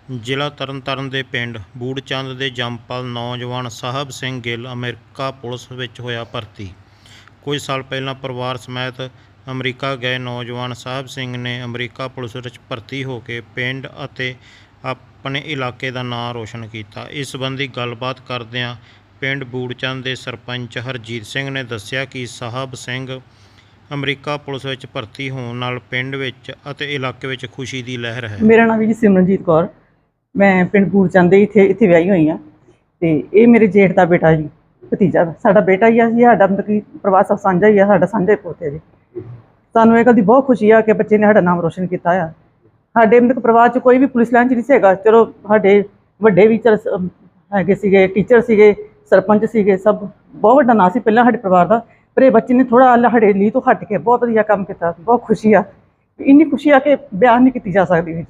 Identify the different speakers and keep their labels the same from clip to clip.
Speaker 1: ਜ਼ਿਲ੍ਹਾ ਤਰਨਤਾਰਨ ਦੇ ਪਿੰਡ ਬੂੜਚੰਦ ਦੇ ਜੰਮਪਲ ਨੌਜਵਾਨ ਸਾਹਿਬ ਸਿੰਘ ਗਿੱਲ ਅਮਰੀਕਾ ਪੁਲਿਸ ਵਿੱਚ ਹੋਇਆ ਭਰਤੀ। ਕੁਝ ਸਾਲ ਪਹਿਲਾਂ ਪਰਿਵਾਰ ਸਮੇਤ ਅਮਰੀਕਾ ਗਏ ਨੌਜਵਾਨ ਸਾਹਿਬ ਸਿੰਘ ਨੇ ਅਮਰੀਕਾ ਪੁਲਿਸ ਵਿੱਚ ਭਰਤੀ ਹੋ ਕੇ ਪਿੰਡ ਅਤੇ ਆਪਣੇ ਇਲਾਕੇ ਦਾ ਨਾਂ ਰੋਸ਼ਨ ਕੀਤਾ। ਇਸ ਸੰਬੰਧੀ ਗੱਲਬਾਤ ਕਰਦਿਆਂ ਪਿੰਡ ਬੂੜਚੰਦ ਦੇ ਸਰਪੰਚ ਹਰਜੀਤ ਸਿੰਘ ਨੇ ਦੱਸਿਆ ਕਿ ਸਾਹਿਬ ਸਿੰਘ ਅਮਰੀਕਾ ਪੁਲਿਸ ਵਿੱਚ ਭਰਤੀ ਹੋਣ ਨਾਲ ਪਿੰਡ ਵਿੱਚ ਅਤੇ ਇਲਾਕੇ ਵਿੱਚ ਖੁਸ਼ੀ ਦੀ ਲਹਿਰ ਹੈ।
Speaker 2: ਮੇਰਾ ਨਾਮ ਜੀ ਸਿਮਰਨਜੀਤ ਕੌਰ, ਮੈਂ ਪਿੰਡ ਬੂੜਚੰਦ ਦੇ ਇੱਥੇ ਵਿਆਹੀ ਹੋਈ ਹਾਂ ਤੇ ਇਹ ਮੇਰੇ ਜੇਠ ਦਾ ਬੇਟਾ ਜੀ, ਭਤੀਜਾ ਸਾਡਾ ਬੇਟਾ ਹੀ ਆ ਜੀ। ਸਾਡਾ ਮਤਲਬ ਕਿ ਪਰਿਵਾਰ ਸਭ ਸਾਂਝਾ ਹੀ ਆ, ਸਾਡਾ ਸਾਂਝੇ ਪੋਤੇ ਜੀ। ਸਾਨੂੰ ਇਹ ਗੱਲ ਦੀ ਬਹੁਤ ਖੁਸ਼ੀ ਆ ਕਿ ਬੱਚੇ ਨੇ ਸਾਡਾ ਨਾਮ ਰੋਸ਼ਨ ਕੀਤਾ ਆ। ਸਾਡੇ ਮਤਲਬ ਪਰਿਵਾਰ 'ਚ ਕੋਈ ਵੀ ਪੁਲਿਸ ਲਾਈਨ 'ਚ ਨਹੀਂ ਸੀਗਾ। ਚਲੋ ਸਾਡੇ ਵੱਡੇ ਵੀ ਚਲ ਹੈਗੇ ਸੀਗੇ, ਟੀਚਰ ਸੀਗੇ, ਸਰਪੰਚ ਸੀਗੇ, ਸਭ ਬਹੁਤ ਵੱਡਾ ਨਾਂ ਸੀ ਪਹਿਲਾਂ ਸਾਡੇ ਪਰਿਵਾਰ ਦਾ। ਪਰ ਇਹ ਬੱਚੇ ਨੇ ਥੋੜ੍ਹਾ ਸਾਡੇ ਲਈ ਤੋਂ ਹਟ ਕੇ ਬਹੁਤ ਵਧੀਆ ਕੰਮ ਕੀਤਾ। ਬਹੁਤ ਖੁਸ਼ੀ ਆ, ਇੰਨੀ ਖੁਸ਼ੀ ਆ ਕਿ ਬਿਆਨ ਨਹੀਂ ਕੀਤੀ ਜਾ ਸਕਦੀ ਵੀ ਜੀ।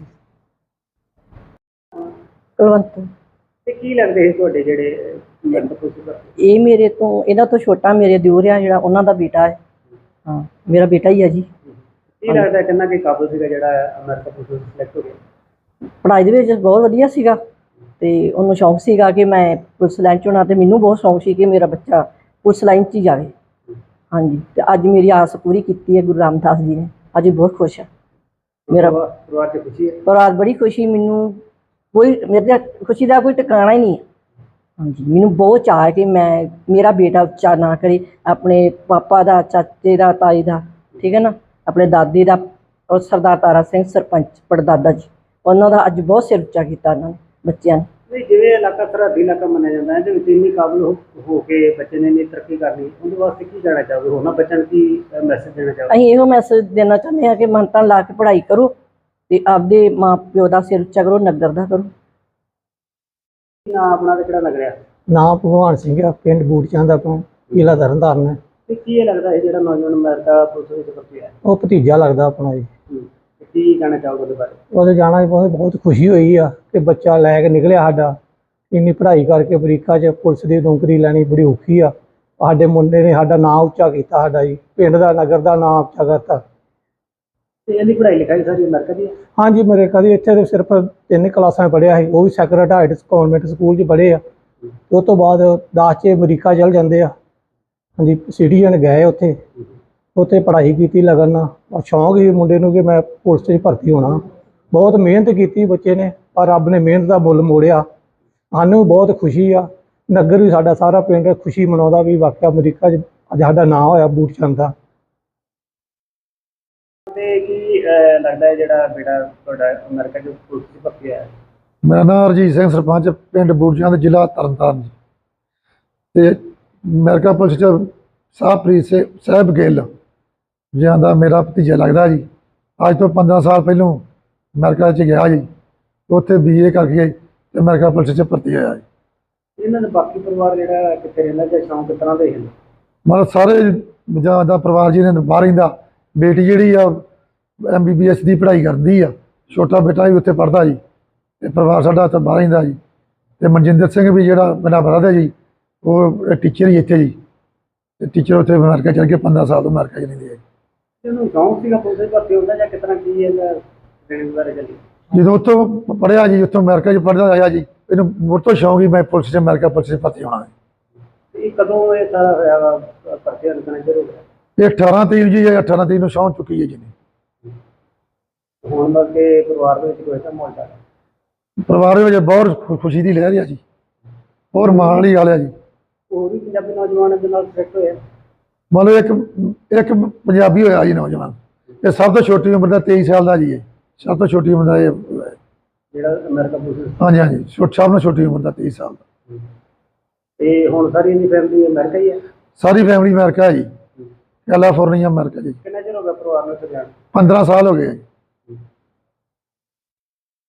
Speaker 3: ਕੁਲਵੰਤ
Speaker 4: ਤੇ ਕੀ ਲੱਗਦੇ ਸੀ ਤੁਹਾਡੇ ਜਿਹੜੇ
Speaker 3: ਇਹ ਮੇਰੇ ਤੋਂ ਇਹਨਾਂ ਤੋਂ ਛੋਟਾ ਮੇਰੇ ਦਿਓਰ ਆ, ਜਿਹੜਾ ਉਹਨਾਂ ਦਾ ਬੇਟਾ ਹੈ। ਹਾਂ, ਮੇਰਾ ਬੇਟਾ ਹੀ ਹੈ ਜੀ।
Speaker 4: ਕੀ ਲੱਗਦਾ ਕਿੰਨਾ ਕਿ ਕਾਬਲ ਸੀਗਾ ਜਿਹੜਾ ਅਮਰੀਕਾ ਪੁਲਿਸ ਸਿਲੈਕਟ ਹੋ ਗਿਆ?
Speaker 3: ਪੜ੍ਹਾਈ ਦੇ ਵਿੱਚ ਬਹੁਤ ਵਧੀਆ ਸੀਗਾ ਤੇ ਉਹਨੂੰ ਸ਼ੌਂਕ ਸੀਗਾ ਕਿ ਮੈਂ ਪੁਲਿਸ ਲਾਈਨ 'ਚ ਹੋਣਾ, ਤੇ ਮੈਨੂੰ ਬਹੁਤ ਸ਼ੌਂਕ ਸੀ ਕਿ ਮੇਰਾ ਬੱਚਾ ਪੁਲਿਸ ਲਾਈਨ 'ਚ ਹੀ ਜਾਵੇ। ਹਾਂਜੀ, ਤੇ ਅੱਜ ਮੇਰੀ ਆਸ ਪੂਰੀ ਕੀਤੀ ਹੈ ਗੁਰੂ ਰਾਮਦਾਸ ਜੀ ਨੇ। ਅੱਜ ਬਹੁਤ ਖੁਸ਼ ਹਾਂ। ਮੇਰਾ
Speaker 4: ਪਰਿਵਾਰ 'ਚ ਖੁਸ਼ੀ ਹੈ?
Speaker 3: ਪਰਿਵਾਰ ਬੜੀ ਖੁਸ਼ੀ। ਮੈਨੂੰ ਕੋਈ ਮੇਰੇ ਖੁਸ਼ੀ ਦਾ ਕੋਈ ਟਿਕਾਣਾ ਹੀ ਨਹੀਂ। ਹਾਂਜੀ, ਮੈਨੂੰ ਬਹੁਤ ਚਾਅ ਹੈ ਕਿ ਮੇਰਾ ਬੇਟਾ ਉੱਚਾ ਨਾ ਕਰੇ, ਆਪਣੇ ਪਾਪਾ ਦਾ, ਚਾਚੇ ਦਾ, ਤਾਈ ਦਾ, ਠੀਕ ਹੈ ਨਾ, ਆਪਣੇ ਦਾਦੇ ਦਾ, ਔਰ ਸਰਦਾਰ ਤਾਰਾ ਸਿੰਘ ਸਰਪੰਚ ਪੜਦਾਦਾ ਜੀ, ਉਹਨਾਂ ਦਾ ਅੱਜ ਬਹੁਤ ਸਿਰ ਉੱਚਾ ਕੀਤਾ ਉਹਨਾਂ ਨੇ ਬੱਚਿਆਂ ਨੇ।
Speaker 4: ਨਹੀਂ, ਜਿਵੇਂ ਇਲਾਕਾ ਸਰਹੱਦੀ ਇਲਾਕਾ ਮੰਨਿਆ ਜਾਂਦਾ, ਇਹਦੇ ਵਿੱਚ ਇੰਨੀ ਕਾਬਲ ਹੋ ਕੇ ਬੱਚੇ ਨੇ ਇੰਨੀ ਤਰੱਕੀ ਕਰਨੀ, ਉਹਦੇ ਵਾਸਤੇ ਕੀ ਕਹਿਣਾ ਚਾਹੋਗੇ? ਹੋਣਾ ਬੱਚਿਆਂ ਨੂੰ ਕੀ ਮੈਸੇਜ ਦੇਣਾ ਚਾਹੋਗੇ?
Speaker 3: ਅਸੀਂ ਇਹੋ ਮੈਸੇਜ ਦੇਣਾ ਚਾਹੁੰਦੇ ਹਾਂ ਕਿ ਮੰਨਤਾਂ ਲਾ ਕੇ ਪੜ੍ਹਾਈ ਕਰੋ ਤੇ ਆਪਦੇ ਮਾਂ ਪਿਓ ਦਾ ਸਿਰ ਉੱਚਾ ਕਰੋ, ਨਗਰ ਦਾ ਕਰੋ।
Speaker 4: ਨਾਂ ਆਪਣਾ ਤੇ ਕਿਹੜਾ ਲੱਗ ਰਿਹਾ?
Speaker 5: ਨਾਂ ਭਗਵਾਨ ਸਿੰਘ ਆ, ਪਿੰਡ ਬੂੜਚੰਦ ਆਪਾਂ, ਜ਼ਿਲ੍ਹਾ ਤਰਨਤਾਰਨ ਹੈ।
Speaker 4: ਤੇ ਕੀ ਇਹ ਲੱਗਦਾ ਹੈ ਜਿਹੜਾ ਨੌਜਵਾਨ ਅਮਰੀਕਾ ਪੁਲਿਸ ਵਿੱਚ ਭਰਤੀ ਹੈ?
Speaker 5: ਉਹ ਭਤੀਜਾ ਲੱਗਦਾ ਆਪਣਾ ਜੀ।
Speaker 4: ਤੇ ਕੀ ਕਹਿਣਾ ਚਾਹੋਗੇ ਉਹਦੇ ਬਾਰੇ?
Speaker 5: ਉਹਦੇ ਜਾਣਾ ਬਹੁਤ ਖੁਸ਼ੀ ਹੋਈ ਆ ਕਿ ਬੱਚਾ ਲੈ ਕੇ ਨਿਕਲਿਆ ਸਾਡਾ। ਇੰਨੀ ਪੜ੍ਹਾਈ ਕਰਕੇ ਅਮਰੀਕਾ 'ਚ ਪੁਲਿਸ ਦੀ ਨੌਕਰੀ ਲੈਣੀ ਬੜੀ ਔਖੀ ਆ। ਸਾਡੇ ਮੁੰਡੇ ਨੇ ਸਾਡਾ ਨਾਂ ਉੱਚਾ ਕੀਤਾ, ਸਾਡਾ ਜੀ ਪਿੰਡ ਦਾ, ਨਗਰ ਦਾ ਨਾਂ ਉੱਚਾ ਕਰਤਾ।
Speaker 4: ਤੇ ਇਹਦੀ ਪੜ੍ਹਾਈ ਲਿਖਾਈ ਸਾਰੀ ਅਮਰੀਕਾ ਦੀ ਹੈ?
Speaker 5: ਹਾਂਜੀ, ਮੇਰੇ ਕਦੀ ਇੱਥੇ ਤਾਂ ਸਿਰਫ 3 ਕਲਾਸਾਂ ਪੜ੍ਹਿਆ ਸੀ, ਉਹ ਵੀ ਸੈਕਰਟ ਹਾਰਟ ਕਨਵੈਂਟ ਸਕੂਲ 'ਚ ਪੜ੍ਹੇ ਆ। ਉਹ ਤੋਂ ਬਾਅਦ 10 'ਚ ਅਮਰੀਕਾ ਚਲ ਜਾਂਦੇ ਆ। ਹਾਂਜੀ, ਸਿਟੀਜ਼ਨ ਗਏ ਉੱਥੇ ਪੜ੍ਹਾਈ ਕੀਤੀ ਲਗਨ ਨਾਲ। ਸ਼ੌਂਕ ਸੀ ਮੁੰਡੇ ਨੂੰ ਕਿ ਮੈਂ ਪੁਲਿਸ 'ਚ ਭਰਤੀ ਹੋਣਾ। ਬਹੁਤ ਮਿਹਨਤ ਕੀਤੀ ਬੱਚੇ ਨੇ, ਪਰ ਰੱਬ ਨੇ ਮਿਹਨਤ ਦਾ ਮੁੱਲ ਮੋੜਿਆ। ਸਾਨੂੰ ਬਹੁਤ ਖੁਸ਼ੀ ਆ, ਨਗਰ ਵੀ ਸਾਡਾ ਸਾਰਾ ਪਿੰਡ ਖੁਸ਼ੀ ਮਨਾਉਂਦਾ ਵੀ ਵਾਕਿਆ ਅਮਰੀਕਾ 'ਚ ਅੱਜ ਸਾਡਾ ਨਾਂ ਹੋਇਆ ਬੂੜਚੰਦ ਦਾ।
Speaker 4: ਤੇ ਕੀ ਲੱਗਦਾ ਹੈ ਜਿਹੜਾ ਬੇਟਾ ਤੁਹਾਡਾ ਅਮਰੀਕਾ 'ਚ ਪੁਲਿਸ 'ਚ ਭਰਤੀ ਹੋਇਆ?
Speaker 6: ਮੇਰਾ ਨਾਮ ਹਰਜੀਤ ਸਿੰਘ, ਸਰਪੰਚ ਪਿੰਡ ਬੂੜਚੰਦ, ਜ਼ਿਲ੍ਹਾ ਤਰਨਤਾਰਨ ਜੀ। ਤੇ ਅਮਰੀਕਾ ਪੁਲਿਸ 'ਚ ਸਾਹਿਬ ਗਿੱਲ ਜਿਹਾਂ ਦਾ ਮੇਰਾ ਭਤੀਜਾ ਲੱਗਦਾ ਜੀ। ਅੱਜ ਤੋਂ 15 ਸਾਲ ਪਹਿਲੋਂ ਅਮਰੀਕਾ 'ਚ ਗਿਆ ਜੀ, ਉੱਥੇ BA ਕਰਕੇ ਤੇ ਅਮਰੀਕਾ ਪੁਲਿਸ 'ਚ ਭਰਤੀ ਹੋਇਆ ਜੀ।
Speaker 4: ਇਹਨਾਂ ਦਾ ਬਾਕੀ ਪਰਿਵਾਰ ਜਿਹੜਾ ਕਿੱਥੇ ਰਹਿੰਦਾ ਜਾਂ ਸ਼ੌਂਕ ਕਿਸ ਤਰ੍ਹਾਂ ਦੇ ਹਨ?
Speaker 6: ਮਤਲਬ ਸਾਰੇ ਜਾਂ ਦਾ ਪਰਿਵਾਰ ਜੀ ਨੇ ਬਾਹਰ ਰਹਿੰਦਾ। ਬੇਟੀ ਜਿਹੜੀ ਆ MBBS ਦੀ ਪੜ੍ਹਾਈ ਕਰਦੀ ਆ, ਛੋਟਾ ਬੇਟਾ ਵੀ ਉੱਥੇ ਪੜ੍ਹਦਾ ਜੀ। ਤੇ ਪਰਿਵਾਰ ਸਾਡਾ ਉੱਥੇ ਬਾਹਰ ਰਹਿੰਦਾ ਜੀ। ਤੇ ਮਨਜਿੰਦਰ ਸਿੰਘ ਵੀ ਜਿਹੜਾ ਮੇਰਾ ਬਰਾਦਰ ਜੀ, ਉਹ ਟੀਚਰ ਹੀ ਇੱਥੇ ਜੀ। ਤੇ ਟੀਚਰ ਉੱਥੇ ਅਮਰੀਕਾ ਚਲ ਕੇ 15 ਸਾਲ ਤੋਂ ਅਮਰੀਕਾ 'ਚ ਰਹਿੰਦੇ ਆ ਜੀ।
Speaker 4: ਇਹਨੂੰ ਸ਼ੌਂਕ ਸੀਗਾ ਪੁਲਿਸ 'ਚ ਭਰਤੀ ਹੁੰਦਾ ਜਾਂ ਕਿਸ ਤਰ੍ਹਾਂ ਕੀ ਇਹਦਾ ਟ੍ਰੇਨਿੰਗ ਬਾਰੇ ਚੱਲੀ?
Speaker 6: ਜਦੋਂ ਉੱਥੋਂ ਪੜ੍ਹਿਆ ਜੀ, ਉੱਥੋਂ ਅਮਰੀਕਾ 'ਚ ਪੜ੍ਹਦਾ ਆਇਆ ਜੀ, ਇਹਨੂੰ ਮੁੜ ਤੋਂ ਸ਼ੌਂਕ ਹੀ ਮੈਂ ਪੁਲਿਸ 'ਚ ਅਮਰੀਕਾ ਪੁਲਿਸ 'ਚ ਭਰਤੀ ਹੋਣਾ ਹੈ।
Speaker 4: ਇਹ ਕਦੋਂ ਇਹ ਸਾਰਾ ਹੋਇਆ ਵਾ ਭਰਤੀ ਲੱਗਣਾ ਸ਼ੁਰੂ ਹੋ ਗਿਆ?
Speaker 6: ਇਹ 18 ਤਰੀਕ ਜੀ, 18 ਤਰੀਕ ਨੂੰ ਸ਼ੌਂਕ ਚੁੱਕੀ ਹੈ ਜੀ ਨੇ।
Speaker 4: ਹੁਣ ਮਤਲਬ ਕਿ ਪਰਿਵਾਰ ਦੇ ਵਿੱਚ ਕੋਈ ਐਸਾ ਮਾਹੌਲ ਚੱਲ?
Speaker 6: ਪਰਿਵਾਰ ਵਿੱਚ ਬਹੁਤ ਖੁਸ਼ੀ ਦੀ ਲਹਿਰ ਆ ਜੀ, ਹੋਰ ਮਾਣ ਵਾਲੀ ਗੱਲ ਆ ਜੀ।
Speaker 4: ਹੋਰ ਵੀ ਪੰਜਾਬੀ ਨੌਜਵਾਨ ਦੇ ਨਾਲ ਸਿਲੈਕਟ ਹੋਇਆ?
Speaker 6: ਮਤਲਬ ਇੱਕ ਪੰਜਾਬੀ ਹੋਇਆ ਜੀ ਨੌਜਵਾਨ। ਇਹ ਸਭ ਤੋਂ ਛੋਟੀ ਉਮਰ ਦਾ 23 ਸਾਲ ਦਾ ਜੀ। ਇਹ ਸਭ ਤੋਂ ਛੋਟੀ ਉਮਰ ਦਾ ਇਹ
Speaker 4: ਜਿਹੜਾ ਅਮਰੀਕਾ ਪੁਲਿਸ?
Speaker 6: ਹਾਂਜੀ, ਸਭ ਨੂੰ ਛੋਟੀ ਉਮਰ ਦਾ 23 ਸਾਲ ਦਾ।
Speaker 4: ਤੇ ਹੁਣ ਸਾਰੀ ਇਹਦੀ ਫੈਮਿਲੀ ਅਮਰੀਕਾ ਹੀ ਹੈ?
Speaker 6: ਸਾਰੀ ਫੈਮਿਲੀ ਅਮਰੀਕਾ ਜੀ, ਕੈਲੀਫੋਰਨੀਆ ਅਮਰੀਕਾ ਜੀ।
Speaker 4: ਕਿੰਨਾ ਚਿਰ ਹੋ ਗਿਆ ਪਰਿਵਾਰ ਨੂੰ ਇੱਥੇ ਜਾਣ?
Speaker 6: 15 ਸਾਲ ਹੋ ਗਏ ਜੀ।